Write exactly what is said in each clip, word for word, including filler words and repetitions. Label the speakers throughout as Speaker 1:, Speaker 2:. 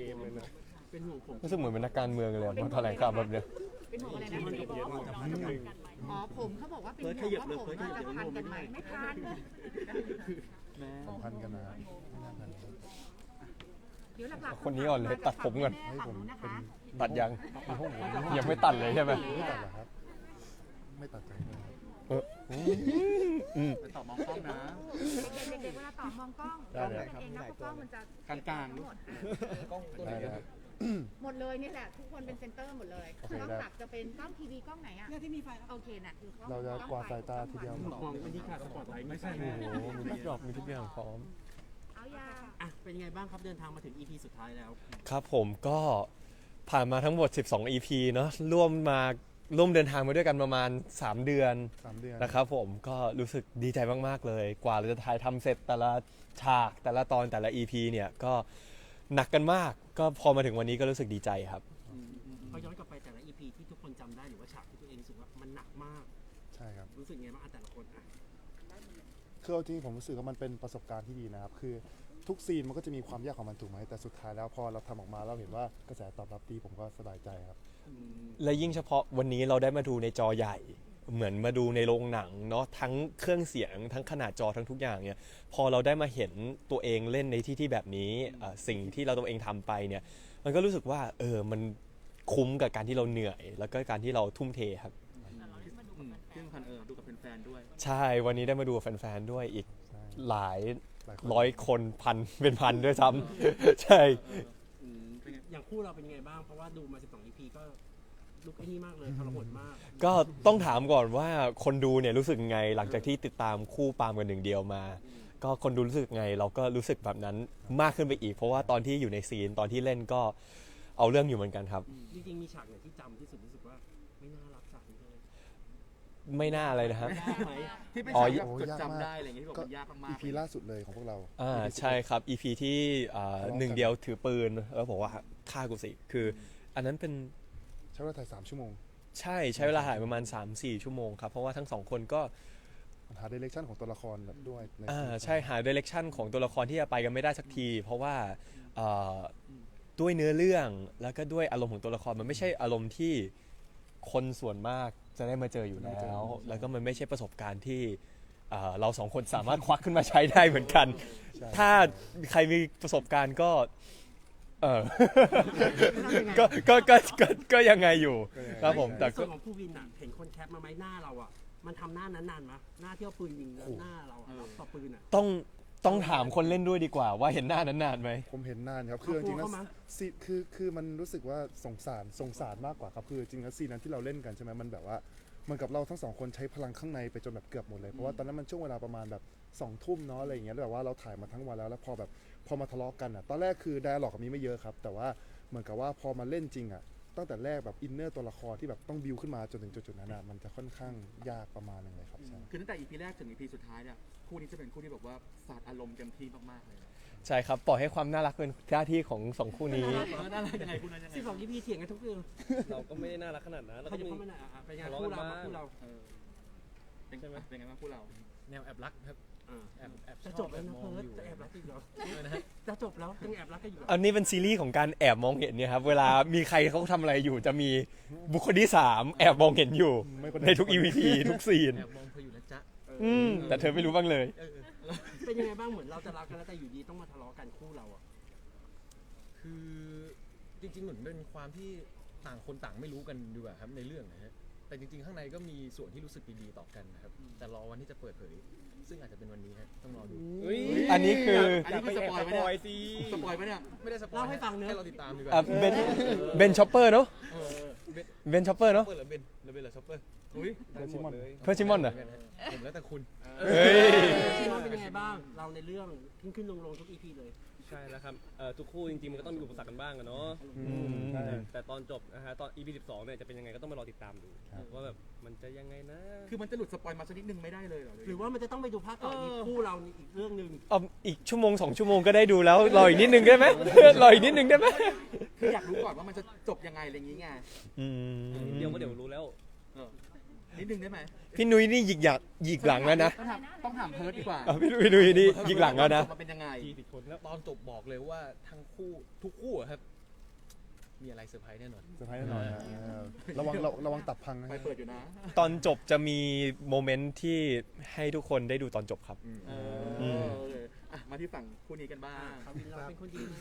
Speaker 1: มเลยนะ
Speaker 2: เป็นห่วงผม
Speaker 3: รู้สึกเหมือนเป็นนักการเมืองเลยมาแถลงข่าวแบบเนี้ย
Speaker 4: เป็นห่วงอะไรนะ
Speaker 2: มันเยอะมาก
Speaker 4: อ๋อผมเขาบอกว่าเป็นห่วงว่าผมว่าจะพันกันไหมไม่พัน
Speaker 1: พันกันนะไม่น่าพัน
Speaker 4: เดี๋ยวหลักๆ
Speaker 3: คนนี้ก่อนเลยตัดผมก่อน
Speaker 4: ให้ผมนะคะ
Speaker 3: ตัดยังยังไม่ตัดเลยใช่ไหม
Speaker 1: ไม่ตัดเหรอครับไม่ตัดใจเลย
Speaker 3: เอออืม
Speaker 5: ไปตอบมองกล้องนะ
Speaker 4: เด็กๆเวลาตอบมองกล้องมองกันเองนะเพราะกล้องมันจะ
Speaker 5: กลางๆ
Speaker 4: หมด
Speaker 1: ได้ครับ
Speaker 4: หมดเลยนี่แหละทุกคนเป็นเซนเตอร์หมดเลย
Speaker 1: โอเค
Speaker 4: กล้อง
Speaker 1: ได้
Speaker 4: หลักจะเป็นกล้องทีวีกล้องไหนอ่ะที่มีไฟโอเคน่ะคือกล้อง
Speaker 1: เราจะกวาดสายตาทีเดียว
Speaker 2: มองไปที่ขาดสปอตไลท์ไม่ใช่
Speaker 3: โอ้โหมีทุกดอกมีทุกอย่างพร้อม
Speaker 4: เอายา
Speaker 2: อ่ะเป็นยังไงบ้างครับเดินทางมาถึง อี พี สุดท้ายแล้ว
Speaker 3: ครับผมก็ผ่านมาทั้งหมดสิบสอง อี พี เนาะร่วมมาร่วมเดินทางมาด้วยกันประมาณสามเดือน
Speaker 1: สามเดือน
Speaker 3: นะครับผมก็รู้สึกดีใจมากๆเลย กว่าเราจะถ่ายทำเสร็จแต่ละฉากแต่ละตอนแต่ละ อี พี เนี่ยก็หนักกันมากก็พอมาถึงวันนี้ก็รู้สึกดีใจครับ
Speaker 2: เขาย้อนกลับไปแต่ละ อี พี ที่ทุกคนจำได้หรือว่าฉากที่ตัวเองรู้สึกว่ามันหนักมาก
Speaker 1: ใช่ครับ
Speaker 2: รู้สึกไงบ้างอ่ะแต่ละคนอ่ะ
Speaker 1: คือเอาจริงผมรู้สึกว่ามันเป็นประสบการณ์ที่ดีนะครับคือทุกซีนมันก็จะมีความยากของมันถูกไหมแต่สุดท้ายแล้วพอเราทำออกมาเราเห็นว่ากระแสตอบรับดีผมก็สบายใจครับ
Speaker 3: และยิ่งเฉพาะวันนี้เราได้มาดูในจอใหญ่ เหมือนมาดูในโรงหนังเนาะทั้งเครื่องเสียงทั้งขนาดจอทั้งทุกอย่างเนี่ยพอเราได้มาเห็นตัวเองเล่นในที่ที่แบบนี้อ่าสิ่งที่เราตัวเองทำไปเนี่ยมันก็รู้สึกว่าเออมันคุ้มกับการที่เราเหนื่อย แล้วก็การที่เราทุ่มเทครับ
Speaker 5: เครื่องพันเออดูกับแฟนๆด้วย
Speaker 3: ใช่วันนี้ได้มาดูกับแฟนๆด้วยอีก
Speaker 1: ใช่
Speaker 3: หลาย
Speaker 1: หลายคน
Speaker 3: ร้อยคนพันเป็นพันด้วยซ้ำ ใช่
Speaker 5: อืมเป็นไง
Speaker 2: อย่างคู่เราเป็นยังไงบ้างเพราะว่าดูมาสิบสอง อี พี ก็ลุกไอ้นี่มากเลยทรหดมาก
Speaker 3: ก็ต้องถามก่อนว่าคนดูเนี่ยรู้สึกไงหลังจากที่ติดตามคู่ปาล์มกันหนึ่งเดียวมา ก็คนดูรู้สึกไงเราก็รู้สึกแบบนั้นมากขึ้นไปอีก เพราะว่าตอนที่อยู่ในซีนตอนที่เล่นก็เอาเรื่องอยู่เหมือนกันครับ
Speaker 2: จริงๆมีฉากไหนที่จำที่สุดรู้สึกว่าไม่น่ารักฉากนี้เลย
Speaker 3: ไม่น่าอะไรนะครับ
Speaker 2: ยากไหม
Speaker 5: ที่เป็น
Speaker 3: อ๋อ
Speaker 5: ฉากแบบ
Speaker 1: โอ้
Speaker 5: จด
Speaker 1: ยากมาก
Speaker 5: จำได้อะไรอย่างเงี้ยที่บอก
Speaker 1: ก็
Speaker 5: มันยากมาก
Speaker 1: อี
Speaker 5: ๆ
Speaker 1: พีล่าสุดเลยของพวกเรา
Speaker 3: อ่าใช่ครับ อี พี ที่อ่าหนึ่งเดียวถือปืนแล้วบอกว่าฆ่ากูสิคืออันนั้นเป็น
Speaker 1: ใช้เวลาถ่ายสามชั่วโมง
Speaker 3: ใช่ใช้เวลาถ่ายประมาณ สามถึงสี่ ชั่วโมงครับเพราะว่าทั้งสองคนก็
Speaker 1: หาเดเรคชั่นของตัวละครด้วยใน
Speaker 3: อ่า
Speaker 1: ซีน
Speaker 3: ใช่หาดิเรกชันของตัวละครที่จะไปกันไม่ได้สักที เพราะว่าเอ่อด้วยเนื้อเรื่องแล้วก็ด้วยอารมณ์ของตัวละครมันไม่ใช่อารมณ์ที่คนส่วนมากจะได้มาเจออยู่แล้ว แล้วก็มันไม่ใช่ประสบการณ์ที่เอ่อเราสองคนสามารถควักขึ้นมาใช้ได้เหมือนกัน
Speaker 1: ใช่
Speaker 3: ถ้าใครมีประสบการณ์ก็เออ ก็ก็ก็ก็ก็ยังไงอยู่ครับผมแต่
Speaker 2: ในส่
Speaker 3: ก็
Speaker 2: วนของผู้วินอ่ะเห็นคนแคปมาไหมหน้าเราอ่ะมันทำหน้านั้นนานไหมหน้าที่เอาปืนยิงแล้วหน้าเราอ่ะต่อปืนอ่ะ
Speaker 3: ต้องต้องถามคนเล่นด้วยดีกว่าว่าเห็นหน้านั้นนานไหม
Speaker 1: ผมเห็นนานครับคือจริงๆแล้ว
Speaker 2: เอาตัวเข้ามา
Speaker 1: ซีคือคือมันรู้สึกว่าสงสารสงสารมากกว่าครับคือจริงๆแล้วซีนนั้นที่เราเล่นกันใช่ไหมมันแบบว่าเหมันกับเราทั้งสองคนใช้พลังข้างในไปจนแบบเกือบหมดเลยเพราะว่าตอนนั้นมันช่วงเวลาประมาณแบบสองทุ่มเนาะอะไรอย่างเงี้ยแล้วแบบว่าเราถ่ายมาทั้งวันแล้วแล้วพอแบบพอมาทะเลาะกันอ่ะตอนแรกคือไดอะล็อกมีไม่เยอะครับแต่ว่าเหมือนกับว่าพอมาเล่นจริงอ่ะตั้งแต่แรกแบบอินเนอร์ตัวละครที่แบบต้องบิวขึ้นมาจนถึงจุดๆนั้นอ่ะมันจะค่อนข้างยากประมาณนึงเลยครับใช่
Speaker 5: คือตั้งแต่ อี พี แรกถึง อี พี สุดท้ายเนี่ยคู่นี้จะเป็นคู่ที่แบบว่าสาดอารมณ์เต็มที่มากๆเลย
Speaker 3: ใช่ครับปล่อยให้ความน่ารักเป็นหน้าที่ของสองคู่นี้
Speaker 5: เออน่ารักยังไงคู่นั้นยังไง
Speaker 2: สิบสอง อี พี เถียงกันทุกเรื่อง
Speaker 6: เราก็ไม่ได้น่ารักขนาดนั้นแล้ว
Speaker 2: เขา
Speaker 6: ก็
Speaker 2: จะ
Speaker 6: มี
Speaker 2: เข้ามาหน่อยอ่ะเป็นไงคู่เราคู่เรา
Speaker 5: เออเป็นไงเป็นไงบ้างคู่เรา
Speaker 6: แนวแอบรักครับ
Speaker 2: อ่า
Speaker 6: แอบแอบช
Speaker 2: จะ
Speaker 6: อบ
Speaker 2: จบแล้วนะ
Speaker 6: มอง
Speaker 2: เพิร์ด
Speaker 6: อยู่
Speaker 2: จะแอบรักอีกเหรอ
Speaker 6: นะฮะ
Speaker 2: จะจบแล้วยังแอบรักกันอยู่
Speaker 3: อันนี้เป็นซีรีส์ของการแอบมองเห็นเนี่ยครับเวลามีใครเขาทำอะไรอยู่จะมีบุคคลที่สามแอบมองเห็นอยู่
Speaker 1: ไม่คนใด
Speaker 3: ในทุก อี พี ทุกซีน
Speaker 6: แอบมองเธออยู่นะจ๊ะ
Speaker 3: อืมแต่เธอไม่รู้บ้างเลย
Speaker 6: เออ
Speaker 2: เป็นยังไงบ้างเหมือนเราจะรักกันแล้วแต่อยู่ดีต้องมาทะเลาะกันคู่เราอ่ะ
Speaker 6: คือจริงๆเหมือนเป็นความที่ต่างคนต่างไม่รู้กันดีกว่าครับในเรื่องนะฮะแต่จริงๆข้างในก็มีส่วนที่รู้สึกดีๆต่อกันนะครับแต่รอวันที่จะเปิดเผย ซึ่งอาจจะเป็นวันนี้ฮะต้องรอดู
Speaker 3: อันนี้คือ
Speaker 5: อันนี้คือสปอยล์ไหมเนี่ย
Speaker 6: สิ
Speaker 5: สปอยล์ไหมเนี่ย
Speaker 6: ไม่ได้สปอย
Speaker 2: เล่าให้ฟังเนอะ
Speaker 6: ให้เราติดตามดีกว่า
Speaker 3: อ่ะเบนเบนชอปเปอร์เนาะ
Speaker 6: เออเบน
Speaker 3: เบนชอปเปอร์เนาะ
Speaker 6: เปิดหรือเบนหรือเบนหรือช็อปเปอร์
Speaker 5: อุ้ย
Speaker 1: เบนซิมอน
Speaker 3: เพื่อนซิมอนเหรอ
Speaker 6: ผมแล้วแต่คุณ
Speaker 3: เฮ้ย
Speaker 2: ชิมอนเป็นยังไงบ้าง เราในเรื่องขึ้นขึ้นลงลงทุก อี พี เลย
Speaker 6: ใช่แล้วครับเอ่อทุกคู่จริงๆมันก็ต้องมีอุปสรรคกันบ้างอะเนาะ
Speaker 3: อืม
Speaker 1: ใช่
Speaker 6: แต่ตอนจบนะฮะตอน อี พี สิบสองเนี่ยจะเป็นยังไงก็ต้องมารอติดตามดู
Speaker 1: ครับ
Speaker 6: ว่าแบบมันจะยังไงนะ
Speaker 5: คือมันจะหลุดสปอยล์มาสักนิดนึงไม่ได้เลยเหรอ
Speaker 2: หรือว่ามันจะต้องไปดูภาคต่ออีกคู่เรานี่อีกเรื่องหนึ่ง
Speaker 3: เอาอีกชั่วโมงสองชั่วโมงก็ได้ดูแล้วรออีกนิดนึงได้ไหม รออีกนิดนึงได้ไหม
Speaker 5: คืออยากรู้ก่อนว่ามันจะจบยังไงอะไรอย่างงี้ไง
Speaker 3: อืม
Speaker 6: เดี๋ยวก็เดี๋ยวรู้แล้ว
Speaker 5: เออนิดนึงได้ไหม
Speaker 3: พี่นุ้ยนี่หยิกหยักหยิกหลังแล้วนะ
Speaker 5: ต้องถามต้องถามเพิร์ดดีกว่า
Speaker 3: อ่ะพี่นุ้ยพี่นุ้ยนี่หยิกหลังแล้วนะ
Speaker 5: มันเป็นยังไง
Speaker 6: ทีผิดคนแล้วตอนจบบอกเลยว่าทั้งคู่ทุกคู่อะครับ มีอะไรเซอร์ไพรส์แน่นอน
Speaker 1: เซอร์ไพรส์แน่นอนนะเออระวังระระวังตับพังนะ
Speaker 5: ไปเปิดอยู่นะ
Speaker 3: ตอนจบจะมีโมเมนต์ที่ให้ทุกคนได้ดูตอนจบครับ
Speaker 5: เออโอเคอ่ะมาที่ฝั่งคู่นี้กันบ้าง
Speaker 2: เขาวินเราเป็นคนดีไหม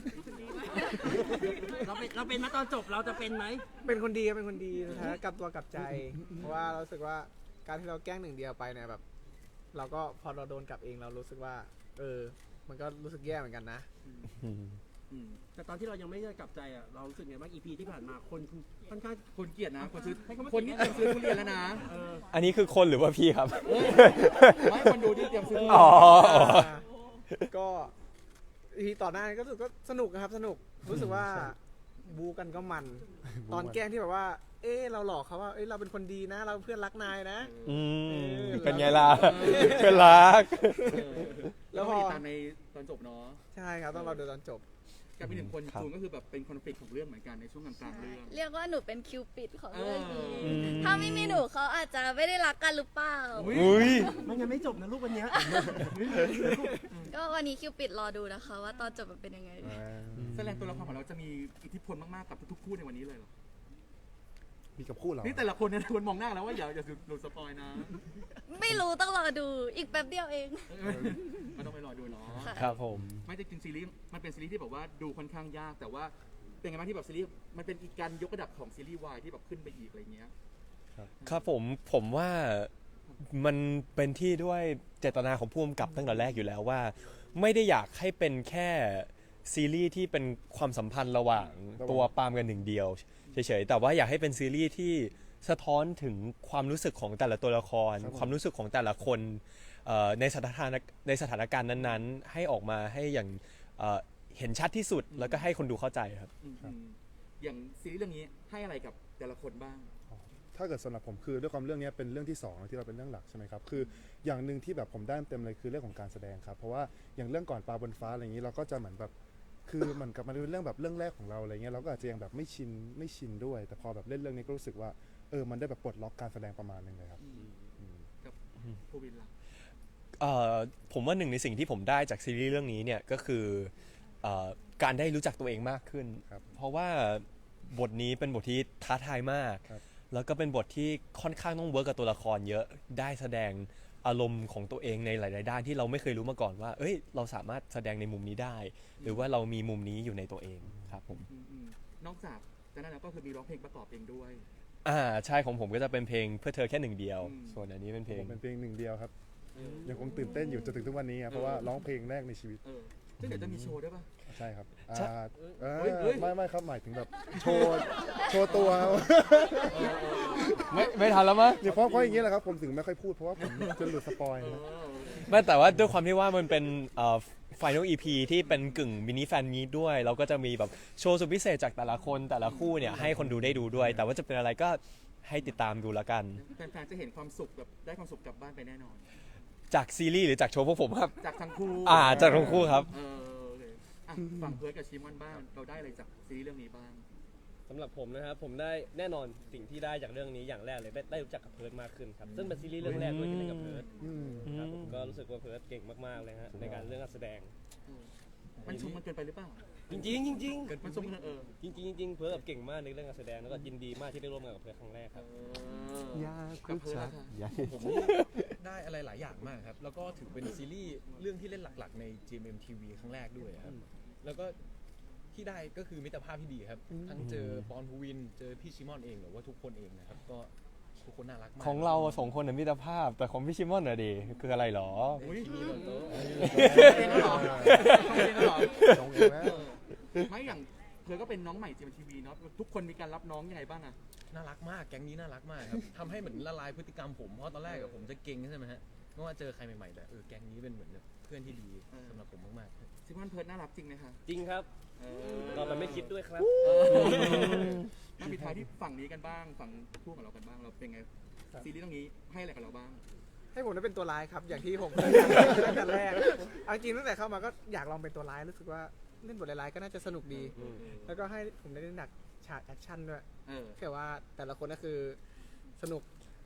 Speaker 2: เราเป็นเราเป็นมาตอนจบเราจะเป็นไหม
Speaker 7: เป็นคนดีครับเป็นคนดีนะฮะกลับตัวกลับใจ เพราะว่าเรารู้สึกว่าการที่เราแกล้งหนึ่งเดียวไปเนี่ยแบบ เราก็พอเราโดนกลับเองเรารู้สึกว่า เออ มันก็รู้สึกแย่เหมือนกันนะ
Speaker 5: อืม
Speaker 2: แต่ตอนที่เรายังไม่ได้กลับใจอ่ะเรารู้สึกไงบ้าง อี พี ที่ผ่านมาคนค่อนข้าง
Speaker 5: คนเกลียดนะ คนซื้อ
Speaker 2: ให้เขามา
Speaker 5: คนนี่เตรียมซื้อทุเรียนแล้วนะ
Speaker 2: เออ
Speaker 3: อันนี้คือคนหรือว่าพี่ครับ
Speaker 5: ไม่คนดูที่เตรียมซื้อทุเรี
Speaker 3: อ๋
Speaker 5: ย
Speaker 3: อ
Speaker 5: น
Speaker 7: ก็ทีต่อหน้านี้ก็รู้สึกก็สนุกนะครับสนุกรู้สึกว่าบูกันก็มัน ตอนแกล้งที่แบบว่า เอ๊ะเราหลอกเขาว่าเอ้ยเราเป็นคนดีนะ เราเพื่อนรักนายนะ
Speaker 3: อืม
Speaker 7: เออ
Speaker 3: เป็นไงล่ะเป็นรัก
Speaker 5: แล้วพอติดตามในตอนจบเนาะ
Speaker 7: ใช่ครับต้องรอดูตอนจบ
Speaker 5: กับอีกหนึ่งคน
Speaker 3: ครับ
Speaker 5: จูนก็คือแบบเป็นคอนฟ lict ของเรื่องเหมือนกันในช่วงกลางๆเรื่อง
Speaker 8: เรียกว่าหนูเป็นคิวปิดของเรื่องนี้
Speaker 5: อืม
Speaker 8: ถ้าไม่มีหนูเขาอาจจะไม่ได้รักกันหรือเปล่า
Speaker 3: อุ้ย
Speaker 2: มันยังไม่จบนะลูกวันเนี้ย
Speaker 8: ก็วันนี้คิวปิดรอดูนะคะ ว่าตอนจบมันเป็นยังไง
Speaker 5: แสดงตัวละครของเราจะมีอิทธิพลมากๆกับทุกๆคู่ในวันนี้เลยเหรอ
Speaker 1: มีกับคู่เรา
Speaker 5: นี่แต่ละคนเนี่ยควรมองหน้าแล้วว่าอย่าอย่าหลุดสปอยนะ
Speaker 8: ไม่รู้ต้องรอดูอีกแป๊บเดียวเอง
Speaker 5: มันต้องไปรอดูเนาะ
Speaker 8: ค่ะ
Speaker 3: ครับผม
Speaker 5: ไม่ได้จริงซีรีส์มันเป็นซีรีส์ที่แบบว่าดูค่อนข้างยาก แต่ว่าเป็นไงบ้างที่แบบซีรีส์มันเป็นอีกการยกระดับของซีรีส์วายที่แบบขึ้นไปอีกอะไรเงี้ย
Speaker 3: ครับผมผมว่ามันเป็นที่ด้วยเจตนาของผู้กำกับตั้งแต่แรกอยู่แล้วว่า ไม่ได้อยากให้เป็นแค่ซีรีส์ที่เป็นความสัมพันธ์ระหว่างตัวปาล์มกันหนึ่งเดียวเฉยๆแต่ว่าอยากให้เป็นซีรีส์ที่สะท้อนถึงความรู้สึกของแต่ละตัวละคร ความรู้สึกของแต่ละคนเอ่อในสถานในสถานการณ์นั้นๆ ให้ออกมาให้อย่างเอ่อเห็นชัดที่สุดแล้วก็ให้คนดูเข้าใจครับ
Speaker 5: อืมอืมอย่างซีรีส์เรื่องนี้ให้อะไรกับแต่ละคนบ้าง
Speaker 1: ถ้าเกิดสำหรับผมคือด้วยความเรื่องนี้เป็นเรื่องที่สองที่เราเป็นเรื่องหลักใช่ไหมครับคืออย่างหนึ่งที่แบบผมได้เต็มเลยคือเรื่องของการแสดงครับเพราะว่าอย่างเรื่องก่อนปลาบนฟ้าอะไรอย่างนี้เราก็จะเหมือนแบบคือเหมือนกับมันเป็นเรื่องแบบเรื่องแรกของเราอะไรเงี้ยเราก็อาจจะยังแบบไม่ชินไม่ชินด้วย แต่พอแบบเล่นเรื่องนี้ก็รู้สึกว่าเออมันได้แบบปลดล็อกการแสดงประมาณนึงเลยครับ
Speaker 5: กับภูวินล่ะ
Speaker 3: เอ่อผมว่าหนึ่งในสิ่งที่ผมได้จากซีรีส์เรื่องนี้เนี่ยก็คือเอ่อการได้รู้จักตัวเองมากขึ้น
Speaker 1: ครับ
Speaker 3: เพราะว่าบทนี้เป็นบทที่ท้าทายมาก
Speaker 1: ครับ
Speaker 3: แล้วก็เป็นบทที่ค่อนข้างต้องเวิร์กกับตัวละครเยอะได้แสดงอารมณ์ของตัวเองในหลาย ๆ ด้านที่เราไม่เคยรู้มาก่อนว่า เอ้ยเราสามารถแสดงในมุมนี้ได้ หรือว่าเรามีมุมนี้อยู่ในตัวเองครับผม
Speaker 5: อืมอืมนอกจากจากนั้นแล้วก็คือมีร้องเพลงประกอบเองด้วย
Speaker 3: อ่าใช่ของผมก็จะเป็นเพลงเพื่อเธอแค่หนึ่งเดียว
Speaker 5: อืม
Speaker 3: ส่วนอันนี้เป็นเพล
Speaker 1: ผ
Speaker 3: ง
Speaker 1: มเป็นเพลงหนึ่งเดียวครับยังคงตื่นเต้นอยู่จนถึงทุกวันนี้ครับเพราะว่าร้องเพลงแรกในชีวิต
Speaker 5: เออซึ่งเดี๋ยวจะมีโชว์ด้วยป่ะ
Speaker 1: ใช่ครับอ่า
Speaker 3: ใช่
Speaker 1: เออ
Speaker 5: เฮ้ยเฮ้ย
Speaker 1: ไม่ไม่ครับหมายถึงแบบโชว์โชว์ตัวครับ
Speaker 3: ไม่ไม่ทันแล้วมั้ง
Speaker 1: เนี่ยเพราะเพราะอย่างนี้แหละครับผมถึงไม่ค่อยพูดเพราะว่าผมจะหลุดสปอยนะ
Speaker 3: ไม่แต่ว่าด้วยความที่ว่ามันเป็นเอ่อ Final อี พี ที่เป็นกึ่งมินิแฟนมีตด้วย เราก็จะมีแบบโชว์สุดพิเศษจากแต่ละคนแต่ละคู่เนี่ยให้คนดูได้ดูด้วย แต่ว่าจะเป็นอะไรก็ให้ติดตามดูแล้วกัน
Speaker 5: แฟนๆจะเห็นความสุขแบบได้ความสุขกลับบ้านไปแน่นอน
Speaker 3: จากซีรีส์หรือจากโชว์พวกผมครับ
Speaker 5: จากทั้งคู่
Speaker 3: อ่าจากทั้งคู่ครับ
Speaker 5: เออโอเคอ่ะฝั่งเพิร์ดกับชิมอนบ้างเราได้อะไรจากซีรีส์เรื่องนี้บ้าง
Speaker 9: สำหรับผมนะครับผมได้แน่นอนสิ่งที่ได้จากเรื่องนี้อย่างแรกเลยได้ได้รู้จักกับเพิร์ดมากขึ้นครับซึ่งเป็นซีรีส์เรื่องแรกด้วยที่เล่นกับเพิร์ด
Speaker 1: อืม
Speaker 9: ครับผมก็รู้สึกว่าเพิร์ดเก่งมากๆเลยฮะในการเรื่องการแสดง
Speaker 5: มันชมมันเกินไปหรือเปล่า
Speaker 9: จริงๆจริง
Speaker 5: มันชมมันเออ
Speaker 9: ๆจริงๆจริงๆเพิร์ดแบบเก่งมากในเรื่องการแสดงแล้วก็ยินดีมากที่ได้ร่วมงานกับเพิร์ดครั้งแรกครับ
Speaker 1: ยาก
Speaker 5: กับเพิร์ดนะคะ
Speaker 6: ผมนี่ได้อะไรหลายอย่างมากครับ แล้วก็ถือเป็นซีรีส์เรื่องที่เล่นหลักๆใน จี เอ็ม เอ็ม ที วี ครั้งแรกด้วยครับ แล้วก็ที่ได้ก็คือมิตรภาพที่ดีครับ ทั้งเจอปอนภูวิน เจอพี่ชิมอนเองหรือว่าทุกคนเองนะครับ ก็ทุกคนน่ารักมาก
Speaker 3: ของเราสองคนน่ะมิตรภาพแต่ของพี่ชิมอนน่ะดิคืออะไรหรอ
Speaker 5: อุ้ย
Speaker 9: มีบนโต๊ะ
Speaker 5: เองก็หรอเองก็หรอ
Speaker 1: สองเองแล้ว
Speaker 5: ไม่อย่างเธอก็เป็นน้องใหม่จีเอ็มทีวีเนาะทุกคนมีการรับน้องยังไงบ้างอะ
Speaker 6: น่ารักมาก แก๊งนี้น่ารักมากครับ ทำให้เหมือนละลายพฤติกรรมผม เพราะตอนแรกอะผมจะเก่งใช่ไหมฮะเมื่อว่าเจอใครใหม่ๆแต่เออแก๊งนี้เป็นเหมือนแบบเพื่อนที่ดีสำหรับผมมากๆ
Speaker 5: ชิมอนเพิร์ดน่ารักจริงไหมคะ
Speaker 9: จริงครับ
Speaker 5: เอ
Speaker 9: เราแบบไม่คิดด้วยครับ
Speaker 5: มาปิดท้ายที่ฝั่งนี้กันบ้างฝั่งคู่ของเรากันบ้างเราเป็นไงซีรีส์เรื่องนี้ให้อะไรกับเราบ้าง
Speaker 7: ให้ผมได้เป็นตัวร้ายครับ อย่างที่ผมเคยทำตั้งแต่แรกเอาจริงตั้งแต่เข้ามาก็อยากลองเป็นตัวร้ายรู้สึกว่าเล่นบทร้ายๆก็น่าจะสนุกดี แล้วก็ให้ผมได้เล่นหนักฉากแอคชั่นด้วย
Speaker 5: เออ
Speaker 7: แค่ว่าแต่ละคนก็คือสนุก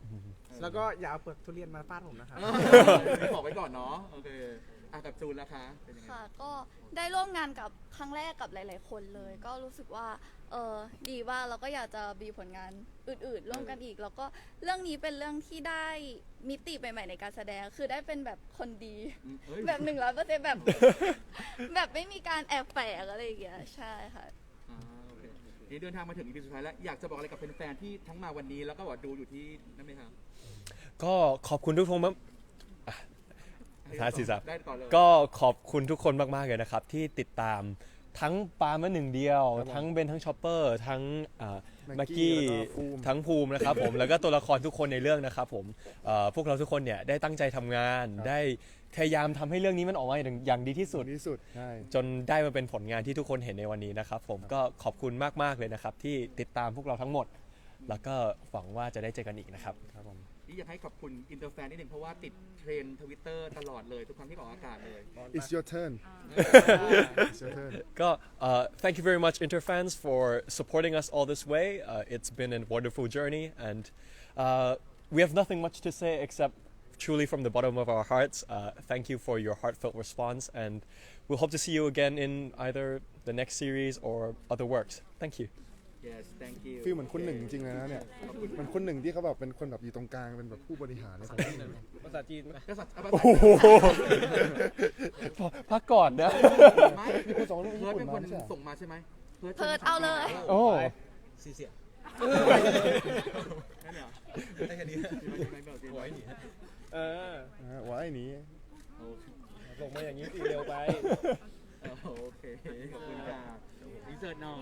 Speaker 7: แล้วก็อย่าเอาเปลือกทุเรียนมาฟาดผมนะครับ
Speaker 5: ไม่บอกไว้ก่อนเนาะโอเคอ่ะกับจูนแล้วคะเป็นยังไง
Speaker 8: ค่ะ ก็ได้ร่วมงานกับครั้งแรกกับหลาย ๆ คนเลย ก็รู้สึกว่าเออดีว่าเราก็อยากจะมีผลงานอื่น ๆ ร่วมกันอีก แล้วก็เรื่องนี้เป็นเรื่องที่ได้มิติใหม่ ๆ ในการแสดง คือได้เป็นแบบคนดี
Speaker 5: อืมเอ้ย
Speaker 8: แบบหนึ่งร้อยเปอร์เซ็นต์แบบ แบบไม่มีการแอบแฝงอะไรอย่างเงี้ยใช่ค่ะ
Speaker 5: อ่าโอเคนี่เดินทางมาถึง อี พี สุดท้ายแล้วอยากจะบอกอะไรกับแฟนๆที่ทั้งมาวันนี้แล้วก็ว่าดูอยู่ที่นั่นไหมครับ
Speaker 3: ก็ขอบคุณทุกคนมากอ่ะท้ายสิครับ
Speaker 5: ได้ก่อนเลย
Speaker 3: ก็ขอบคุณทุกคนมาก ๆ เลยนะครับ ที่ติดตามทั้งปาล์มมาหนึ่งเดียว
Speaker 1: ครับผม
Speaker 3: ทั้งเบนทั้งชอปเปอร์ทั้งอ่า
Speaker 1: แม็
Speaker 3: แม็ก
Speaker 1: กกี้
Speaker 3: กี้
Speaker 1: แล้วก็ภูมิ
Speaker 3: ทั้งภูมินะครับผม แล้วก็ตัวละครทุกคนในเรื่องนะครับผมเอ่อพวกเราทุกคนเนี่ยได้ตั้งใจทำงาน ได้พยายามทำให้เรื่องนี้มันออกมาอย่างดีที่สุด
Speaker 1: ที่สุดใช่
Speaker 3: จนได้มาเป็นผลงานที่ทุกคนเห็นในวันนี้นะครับผมก็ขอบคุณมากๆเลยนะครับที่ติดตามพวกเราทั้งหมด แล้วก็หวังว่าจะได้เจอกันอีกนะครับ
Speaker 1: ครับผม
Speaker 5: นี่อยากให้ขอบคุณอินเตอร์แฟนนิดนึงเพราะว่าติดเทรนทวิตเตอร์ Twitter ตลอดเลยทุกครั้งที่ออกอากาศเลย
Speaker 1: it's your turn it's your turn
Speaker 3: ก็ uh, thank you very much Interfans for supporting us all this way uh, it's been a wonderful journey and uh, we have nothing much to say except truly from the bottom of our hearts uh, thank you for your heartfelt response and we'll hope to see you again in either the next series or other works thank you
Speaker 5: yes thank you
Speaker 1: ฟีลเหมือนคุณหนึ่งจริงๆเลยนะเนี่ยเหมือนคุณหนึ่งที่เขาแบบเป็นคนแบบอยู่ตรงกลางเป็นแบบผู้บริหารในของที่หนึ่ง
Speaker 9: ภาษาจีนไหม
Speaker 5: ก็สัตว์เอาภา
Speaker 3: โอ้
Speaker 5: ษา
Speaker 3: โหพักก่อนนะ
Speaker 5: ไม่
Speaker 1: มีคนส่งเรื่อง
Speaker 5: เพิ
Speaker 1: ญี่
Speaker 5: ร์ด
Speaker 1: ปุ่
Speaker 5: เป็น น
Speaker 1: มา
Speaker 5: คน
Speaker 1: ไม่ใช่เหรอ
Speaker 5: ส่งมาใช่ไหม
Speaker 8: เพิร์ทเอาเลย
Speaker 3: โอ้
Speaker 6: ซีเสีย
Speaker 5: นั่นเหรอ
Speaker 6: ได้แค่นี้
Speaker 5: ไว้หนี
Speaker 9: เออ
Speaker 1: อ่าว่าไอ้นี้
Speaker 9: ส่งมาอย่างนี้ตีเร็วไป
Speaker 5: โอเคขอบคุณค่ะอินเสิร์ตหน่อย